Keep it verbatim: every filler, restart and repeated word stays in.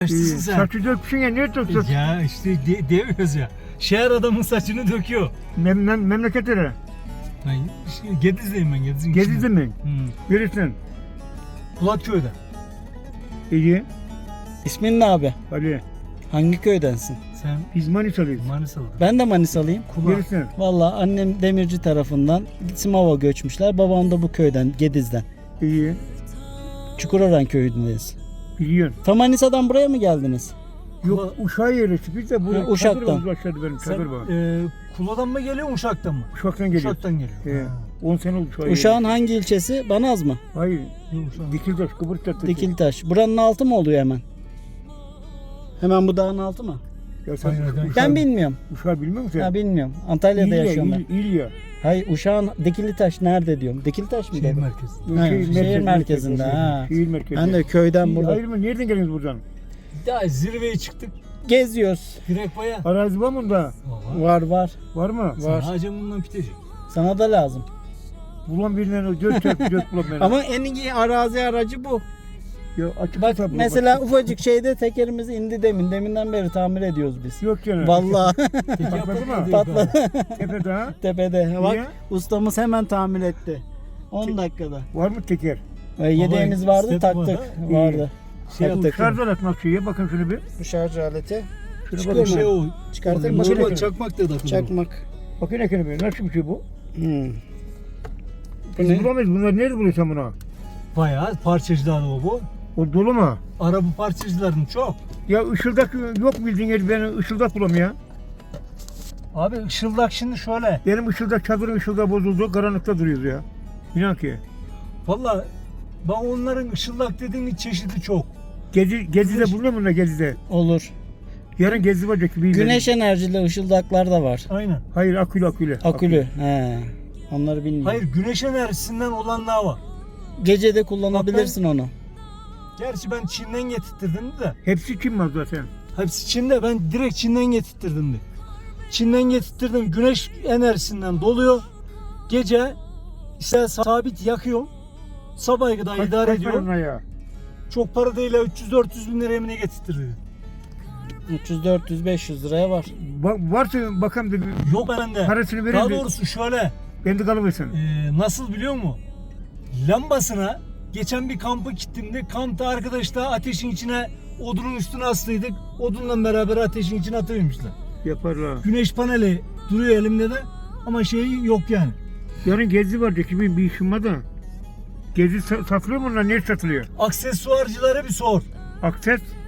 Yaşlısın sen. Saçı dökmüşsün ya, niye döküyorsun? Ya işte de, demiyoruz ya. Şehir adamın saçını döküyor. Mem mem memleketlere. Ben işte Gediz'deyim ben. Gediz'in Gezildin içinde. mi? Hmm. Neresin? Kulakköy'de. İyi. İsmin ne abi? Ali. Hangi köydensin? Sen Biz Manisa'lıyız. Manisa'lıydın. Ben de Manisalıyım. Kulak. Neresin? Valla annem demirci tarafından Simav'a göçmüşler. Babam da bu köyden, Gediz'den. İyi. Çukurören köyündeyiz. Biliyorsun. Ta Manisa'dan buraya mı geldiniz? Yok, Uşak'a yerleştik. Biz de buraya Ha, Uşak'tan. çadır var, başladı benim Sen çadır var. e, Kula'dan mı geliyorsun Uşak'tan mı? Uşak'tan geliyor. Uşak'tan geliyor. He. Ha. on sene oldu Uşak'a. Uşağın hangi ilçesi? Banaz mı? Hayır. Yok, Uşak. Dikiltaş, Kıbrıs'ta. Dikiltaş. Buranın altı mı oluyor hemen? Hemen bu dağın altı mı? Ya sen Hayır, ben- Uşak, Ben bilmiyorum. Uşak'ı bilmiyor musun? Ha bilmiyorum. Antalya'da İlya, yaşıyorum ben. İl, İlya. Hayır Uşağın Dikilitaş nerede diyorum. Dikilitaş mı Şehir dedim? merkezi. Ha, Şehir şehir merkezi, merkezinde, merkezi. ha. Şehir merkezi. Ben de köyden İyi, burada. hayır mı? Nereden geliyorsunuz buradan? Daha zirveye çıktık. Geziyoruz. Direkbaya. Arazi var mı bunda? Var. Var var. Var mı? Var. Hacım bundan pitecek. Sana da lazım. Bulan birinden o dört çarpı dört bulan beni. Ama en iyi arazi aracı bu. Ya açık Bak hesap, mesela bak. ufacık şeyde tekerimiz indi demin. Deminden beri tamir ediyoruz biz. Yok canım. Vallahi Patladı mı? patladı Tepede ha? tepede. Bak Niye? ustamız hemen tamir etti. on dakikada. Var mı teker? Ve yedeğimiz vardı step taktık. var ha? Vardı. Şey Bu Taktık. şarj alet nasıl ya? Bakın şunu bir. Bu şarj aleti. Şuna Çıkıyor bakın. mu? Şey o. Çıkartayım mı? mı? Normal Normal çakmak da takılır. Çakmak. Bakın ekranı bir. Nasıl bir şey bu? Hmm. Bu Biz ne? bulamayız. Bunlar nerede buluyorsun bunu? Bayağı parçacılar o bu. O dolu mu? Araba parçacıların çok. Ya ışıldak yok bildiğin yeri, ben ışıldak bulam ya. Abi ışıldak şimdi şöyle. Benim ışıldak, çadırın ışıldağı bozuldu. Karanlıkta duruyoruz ya. İnan ki. Valla ben onların ışıldak dediğin çeşidi çok. Gezi, Gezi'de Güneş- buluyor musun Gezi'de? Olur. Yarın Gezi var. Güneş enerjili ışıldaklar da var. Aynen. Hayır, akülü akülü. Akülü. He. Onları bilmiyorum. Hayır güneş enerjisinden olanlar var. Gece de kullanabilirsin onu. Gerçi ben Çin'den getirttirdim de. Hepsi kim var zaten? Hepsi Çin'de, ben direkt Çin'den getirttirdim de. Çin'den getirttirdim, güneş enerjisinden doluyor. Gece işte sabit yakıyor. Sabaha kadar Kaç- idare kaç ediyor. para ona ya? Çok para değil, üç yüz dört yüz bin liraya mı ne getirttirdi? üç yüz dört yüz beş yüz liraya var. Ba- varsa bakalım da bir- Yok bende. parasını verin Daha de doğrusu şöyle, ben de kalıversin. e, nasıl biliyor musun? Lambasına geçen bir kampa gittiğimde kampta arkadaşlar ateşin içine odunun üstüne astıydık. Odunla beraber ateşin içine atıvermişler. Yaparlar. Güneş paneli duruyor elimde de ama şeyi yok yani. Yarın Gezi var. Kimin bir işim var da. Gezi sa- satılıyor mu onlar? Nerede satılıyor? Aksesuarcılara bir sor. Akses.